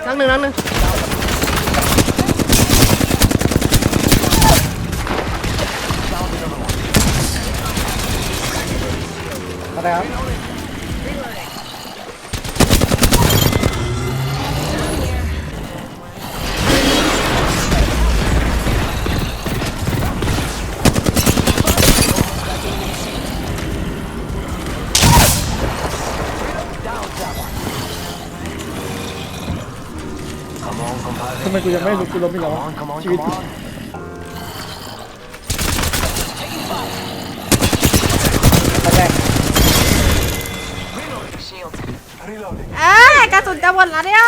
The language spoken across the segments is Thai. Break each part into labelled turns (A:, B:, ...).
A: นักหนึ่ง
B: อะไรครับทำไมกูยังไม่รู้กูล้มอีกแล้วชีวิตแรก
A: กระสุนจะหมดแล้วเนี่ย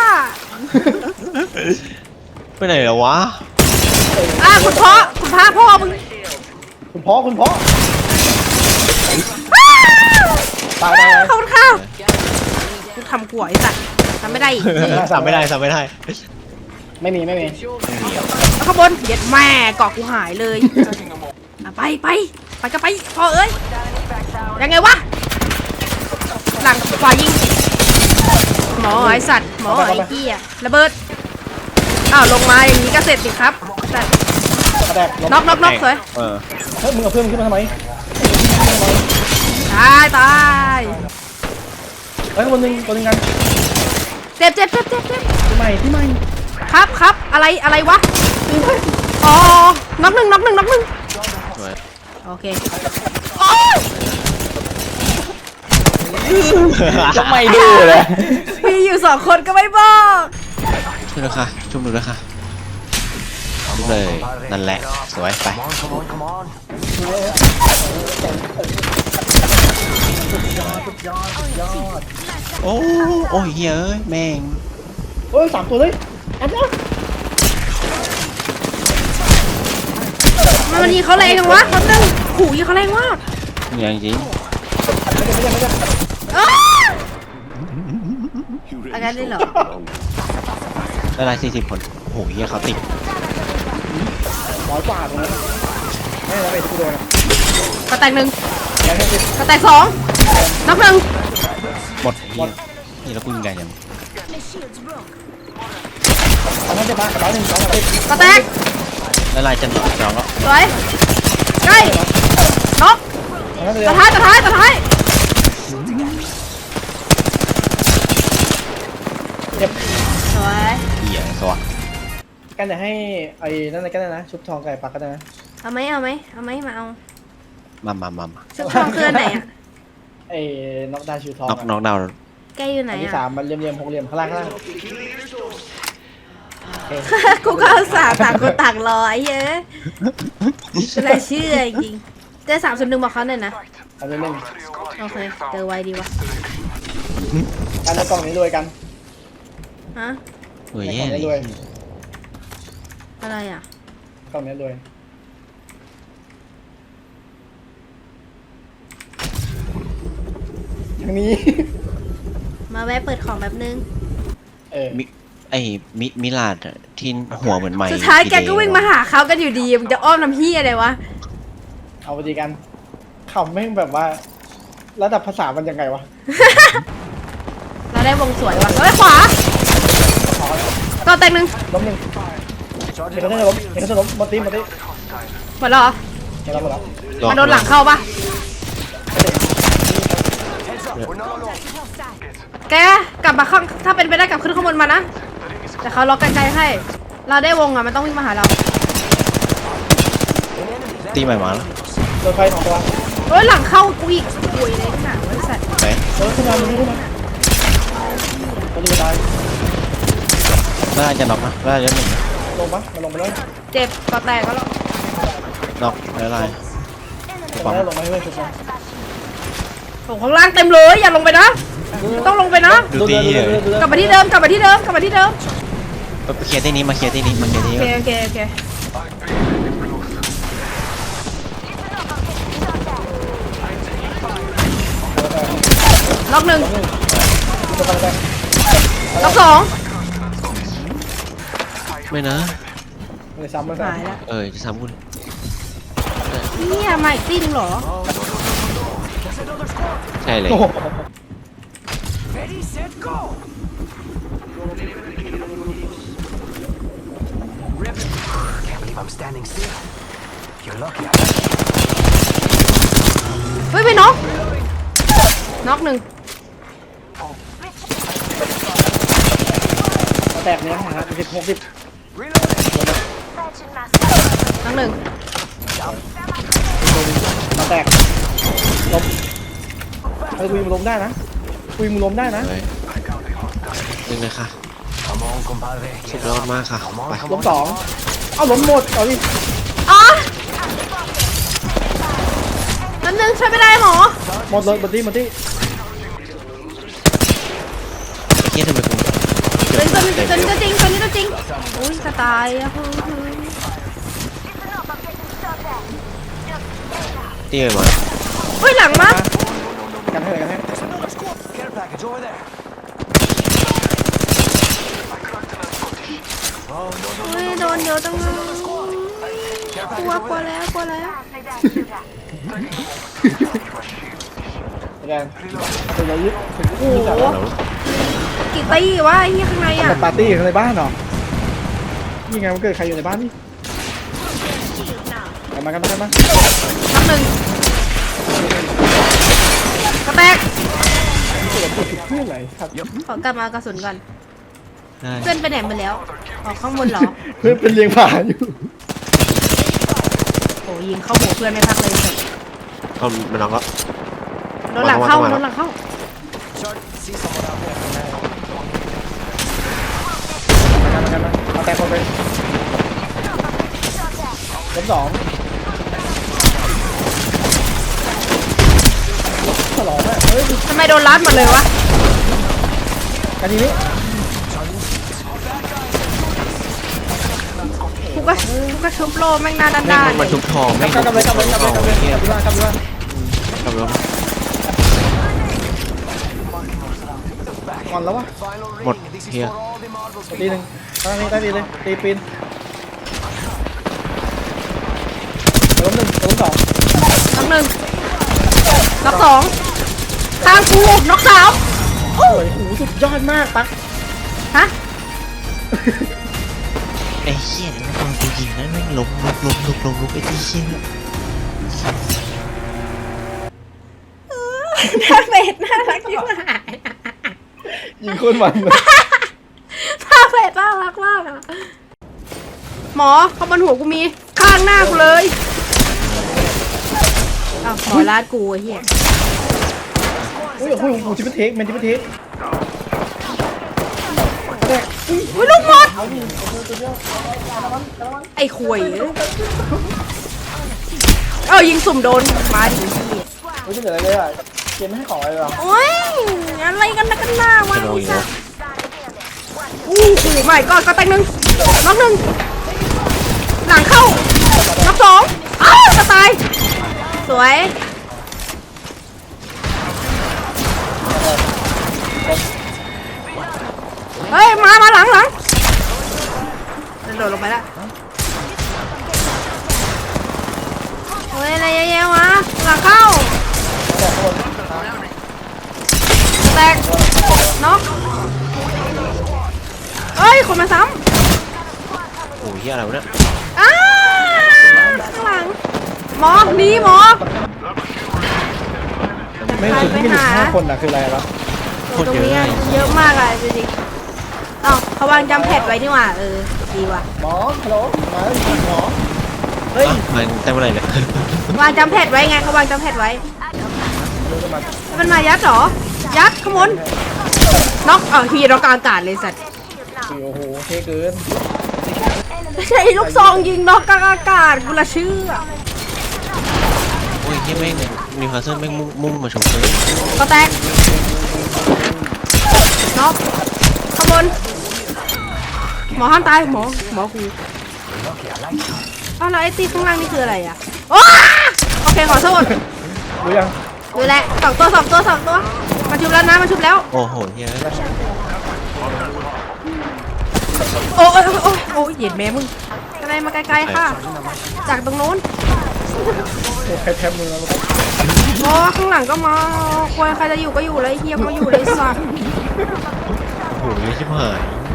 C: ไปไหนแล้ววะ
A: คุณพ่อมึง
B: คุณพ่อตาย
A: ขอบคุณค่ะกูทำกลัวไอ้สัตว์ทำไม่ได้อีก
C: ทำไม่ได้
B: ไม่มี
A: แล้วข้างบนเย็ดแม่เกาะกูหายเลยไปก็ไปพ่อเอ้ยยังไงวะหลังขวายิงหมอไอ้สัตว์หมอไอ้เหี้ยระเบิดลงมาอย่างนี้ก็เสร็จสิครับแต่น็อกสวย
B: เฮ้ยมึงเอาเพื่อนมึงขึ้นมาทำไม
A: ตาย
B: เฮ้ยคนหนึ่งกัน
A: เจ็บ
B: ที่ใหม่
A: ครับอะไรวะอ๋อน็อกหนึ่งโอเค
B: จะไม่ดูเลย
A: มีอยู่2 คนก็ไม่บอก
C: ช่วยด้วยค่ะชุบหนูด้วยค่ะชุบเลยนั่นแหละสวยไป
B: สุดยอด
C: โอ้ยเฮ้ยแม่ง
B: โอ้ย3 ตัวเลยอันนี้
A: มันยิงเขาแรงจังวะเขาตึงขู่ยิงเขาแรงมาก
C: อย่างจริง
A: อาการได้เหรอ
C: ได้ไร40 คนโอ้ยเขาติด
B: 100 กว่าตรงนั้นไม่แล้วไปที่กูโดน
A: กระแตก1กระแตก2น็อก1
C: หมดนี่แล้วกูยิงไงยัง
B: เอาให้ได้บ้าง100 2
A: กระแตก
C: ได้ไรจะหนอกแล้ว
A: สวยใกล้น็อกตัวท้าย
B: เจ็บ
A: สวย
C: เหี้ยสวะ
B: กันจะให้ไอ้นั่นอะไรกันนะชุบทองไก่ปักกันนะ
A: เอาไหมมาเอา
C: มา
A: ชุดทองคือไหนอ่ะ
B: ไอ้น็อกดาวชูทอง
C: น็อกดาว
A: แกอยู่ไหนอ่ะ
B: ที่3มันเหลี่ยม6 เหลี่ยมข้างล่าง
A: กูก็เอาต่างคนต่างรอไอ้เหี้ยอะไรเชื่อจริงเจอ301บอกเขาหน่อยนะ
B: เอาเล่น
A: โอเคเจอไวดีวะ
B: กันในกล่องนี้รวยกัน
A: ฮะ
C: รวยแย่เลย
A: อะไรอ่ะ
B: กล่องนี้รวยทางนี้
A: มาแวะเปิดของแบบนึง
C: มิลาดที่หัวเหมือนไม้
A: สุดท้ายแกก็วิ่งมาหาเขากันอยู่ดีมึงจะอ้อมน้ำพี่อะไรวะ
B: เอาไปดีกันเขาไม่แบบว่าระดับภาษามันยังไงวะ
A: เราได้วงสวยวะเฮ้ยขวาก็แตก1
B: ล้ม1เดี๋ยวเขาจะล้มมาตี
A: หมดแล้วเหรอมันโดนหลังเข้าปะแกกลับมาข้างถ้าเป็นไปได้กลับขึ้นข้างบนมานะแต่เขาล็อกกันไกลให้เราได้วงอ่ะมันต้องวิ่งมาหาเรา
C: ตีใหม่มาแล้ว
B: โดนไฟ2 ตัว
A: เฮ้ยหลังเข้ากูอีกป่วยเลยขนาดบริษัท
C: ไป
B: ขึ้นมาตัวนี้ตาย
C: น่าจะน็อกนะน่าจะ
B: ลงปะมันลงไปแล้ว
A: เจ็บก็แตกก็แล้ว
C: น็อกอะไร
B: ลงมาให้เพื่อนชุบ
A: ส่งข้างล่างเต็มเลยอย่าลงไปนะต้องลงไปนะ
C: ดูตี
A: กลับมาที่เดิมไปเคลี
C: ยร์ที่นี้มาเคลียร์ที่นี้
A: โอเคล็อก1ล็อก2
C: ไม่นะ
B: ไม่ซ้ำไม่
A: ซ้ำ
C: จะซ้ำคุณ
A: เนี่ยมาอีกตีนึงเหรอ
C: ใช่เลย
A: เฮ้ยไปน็อกน็อกหนึ่ง
B: แตกเนี้ยนะครับ60
A: น็อกหนึ่ง
B: มาแตกล้มคุยมึงล้มได้นะคุยมึงล้มได้นะ
C: เลยนึงเลยค่ะสุดยอดมากค่ะไป
B: ล้ม2เอาล้มหมดเอาดิ
A: อ๋อนั่นหนึ่งช่วยไม่ได้หมอ
B: หมดเลยหมดที่
C: เฮียทำไมกู
A: ตัวนี้ก็จริงตัวนี้ก็จริงอุ้ยจะตายอะเฮ้ย
C: ตีไปมา
A: เฮ้ยหลังมา
B: กันให้
A: เฮ้ยโดนเยอะจังเลยกลัวแล้ว
B: กันตัวใหญ่ยึดโอ้โห
A: กี่ตีวะไอ้เหี้ยข้างในอ่ะ
B: ปาร์ตี้ในบ้านเหรอนี่ไงมันเกิดใครอยู่ในบ้านนี่กันมา
A: น็อกหนึ่งกระแตก
B: เกิดติดเพื่อนอะไรครับ
A: ขอกลับมากระสุนก่อน
C: ได้
A: เพื่อนไปไหนมาแล้วออกข้างบนเหรอ
B: เพื่อนเป็นเลี้ยงผาอยู่
A: โอ้ยิงเข้าหัวเพื่อนไม่พักเลย
C: เอามันน็อกแล้ว
A: โดนหลังเข้าโดนหลังเข้า
B: กันมาเอาแตกคนไปล้ม2ฉลองอ่ะเฮ้ย
A: ทำไมโดนรัดหมดเลยวะ
B: กันทีนี้
A: กูก็ชุบโลแม่งหน้าด้าน
C: แม่ง
A: ด้าน
C: มันมาชุบทองแม่ง
B: กลับเลย
C: เฮีย
B: กลับเลย
C: กลับแล้ว
B: ก่อนแล้ววะ
C: หมดเฮีย
B: ตีหนึ่งตั้งนี้ได้ดีเลยตีปีนล้ม1ล้ม2
A: น็อกหนึ่งน็อกสองข้างกูน็อกสาม
B: โอ้ยโหสุดยอดมากตั๊ก
A: ฮะ
C: ไอ้เฮียนี่มันตอนกูยิงนั้นแม่งล้มไอ้ที่เฮีย
A: หน้าเป็ดน่ารักที่หาย
B: ยิงโคนมันเลย
A: หน้าเป็ดน่ารักมากอะหมอเขาบนหัวกูมีข้างหน้ากูเลยอ้าวหมอลาดกูไอ้เหี้ย
B: โอ้ยโอ้โหจิบเทคแมนจิบเทค
A: อุ้ยลูกหมดไอ้ขวยยิงสุ่มโดนมาดิ
B: ไม่ใช่เหลืออะไรเลยอ่ะเกมไม่ให้ของอะไรหรอ
A: โอ้ยอะไรกันนะกันหน้าวะไอ้สัสอู้หูไม่ก็แตงหนึ่งน็อกหนึ่งหลังเข้าน็อกสองอ้าวจะตายสวยเฮ้ยมาหลังโดดลงไปละเฮ้ยอะไรเยอะๆวะหลังเข้าแตกน็อกเอ้ยคนมาซ้
C: โอ้ยเฮียอะไรวะเนี่ย
A: ำอ้าข้างหลังหมอหนีหมอ
B: ไม่ถึงที่กันอยู่5 คนอ่ะคืออะไรวะ
A: ตรงนี้เยอะมากอะจริงๆอ้าวเขาวางจำแพดไว้นี่หว่าดีว่ะ
B: หมอฮัลโหลมาหมอเฮ้ย
C: มันแต่เมื่อไหร่เนี่ยว
A: างจำแพดไว้ไงเขาวางจำแพดไว้ มันมายัดเหรอยัดขโมยน็อกฮีน็อกกลางอากาศเลยสัตว์
B: โอ้โหเท่เกิน
A: ไม่ใช่ลูกซองยิงน็อกกลางอากาศกูละเชื่อ
C: โอ้ยเฮียแม่งนิวคาสเซิลแม่งมุ่งมาชมเลย
A: ก็แตกน็อกขโมยหมอห้ามตายหมอกูแล้วไอ้ตีข้างล่างนี่คืออะไรอ่ะโอเคขอโทษ
B: รู้ยัง
A: ดูแลสองตัวมาชุบแล้วนะมาชุบแล้ว
C: โอ้โหเฮีย
A: โอ้เหยียดแม่มึงอะไรมาไกลๆค่ะ จากตรงโน้น
B: ใครแทบมือแล้ว
A: โอ้ข้างหลังก็มาควายใครจะอยู่ก็อยู่เลยเฮียก็อยู่เลยสัตว์
C: โอ้โหเหี้ยชิบหาย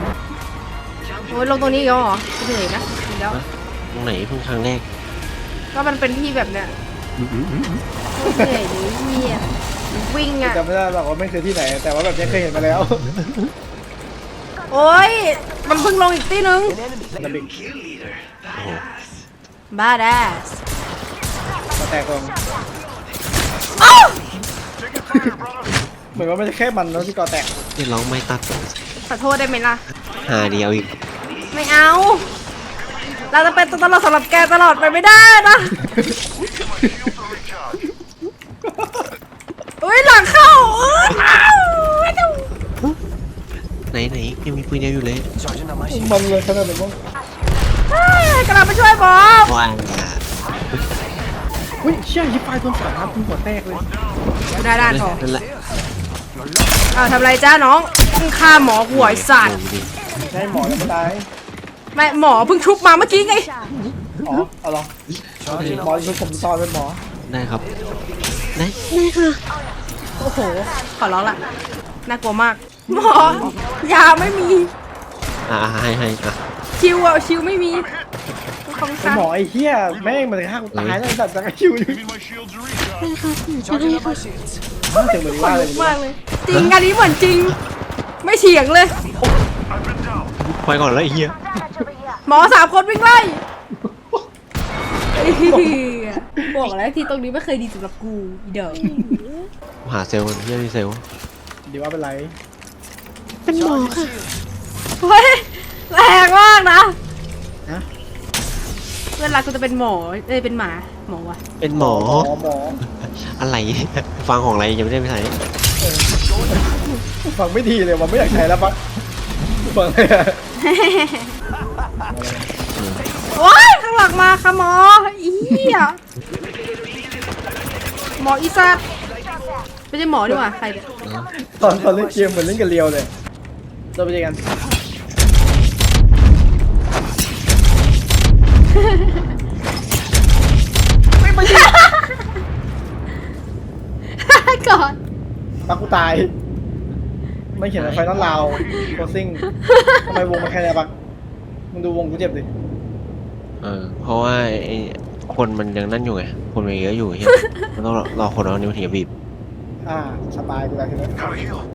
A: โอ้ยลงตรงนี้อีกแล้วเหรอเหนื่อยนะเดี๋ยว
C: ตรงไหนเพิ่งครั้งแรก
A: ก็มันเป็นที่แบบเนี้ยเหนื่อยหรือเหี้ยวิ่งอ่ะ
B: จำไม่ได้หรอกว่าไม่เคยที่ไหน แต่ว่าแบบนี้เคยเห็นมาแล้ว
A: โอ้ยมันเพิ่งลงอีกที่นึง
B: ระบิก
A: บ้าแดส
B: มาแตกตรง
A: เอ้า
B: เหมือนว่าไม่ใช่แค่มันแล้วที่ก่อแตก
C: เรียกร้องไม่ตัด
A: ขอโทษได้ไหมล่ะ
C: หาเดียวอีก
A: ไม่เอา เราจะเป็นตัวตลอดสำหรับแกตลอดไปไม่ได้นะอุ้ยหลังเข้าไม่ต้อง
C: ไหนยังมีปืนเดียวอยู่เลย
B: มันเลยขนาดไหนบ้าง
A: กำลังไปช่วยบอส
C: ว้าง
B: อุ้ยเชี่ยยิบไฟโดนสามนัดหัวแตกเลย
A: ได้พอ
C: นั่นแหละ
A: ทำไรจ้าน้องฆ่าหมอหัวไอ้สัตว์
B: ใช่หมอยังไม่ตาย
A: ไม่หมอเพิ่งชุบมาเมื่อกี้ไง
B: อ๋อเอาลองหมอคือผมตอนเป็นหมอ
C: ได้ครับไหน
A: โอ้โห ขอร้องละน่ากลัวมาก หมอยาไม่มี
C: ให้อ่ะ
A: ชิวอ่ะชิวไม่มีของ
B: ไอ้
A: ฉัน
B: หมอไอ้เหี้ยแม่งมันจะฆ่ากูตายแล้วแต่จะคิวอยู่
D: Give me my shields to recharge.
B: เจ๋งเหมือน
A: ขน
B: ว่าเล
A: ลุ
B: ย
A: กมากเลย จริงอันนี้เหมือนจริง ไม่เฉียงเลย
D: I've been down.
C: ไปก่อนแล้วไอ้เหี้ย
A: หมอ3 คนวิ่งไล่บอกแล้วที่ตรงนี้ไม่เคยดีสำหรับกูอีเดอ
C: หาเซลล์เหี้ยมีเซลล์
B: ดีว่าเป็นไร
C: เป็นหมอค่ะ
A: เฮ้ยแรงมากนะ
B: ฮะ
A: เวลากูจะเป็นหมอเป็นหมาหมอวะ
C: เป็นหมอ
B: หมอ
C: อะไร ฟังของอะไรยังไม่ได้ไปไหน
B: ฟังไม่ดีเลยว่าไม่อยากใช้แล้วปะฟังเลยอะ
A: โอ้ยข้างหลังมาค่ะหมออีเหี้ยหมออีสัตว์ไม่ใช่หมอดีกว่าใครเนี่ย
B: ตอนเล่นเกมเหมือนเล่นกับเรียวเลยเราไปเจอกัน
A: ก่อน
B: ปักกูตาย ไม่เขียนไฟนอลลาวโคซิ่งทำไมวงมันแค่ไหนปักมึงดูวงกูเจ็บดิ
C: เพราะว่าไอ้คนมันยังนั่นอยู่ไง คนมันเยอะอยู่เฮียมันต้องรอคนเอานิ้วถึงจะบีบ
B: สบายกูแล้วทีนี้
D: Gotta heal.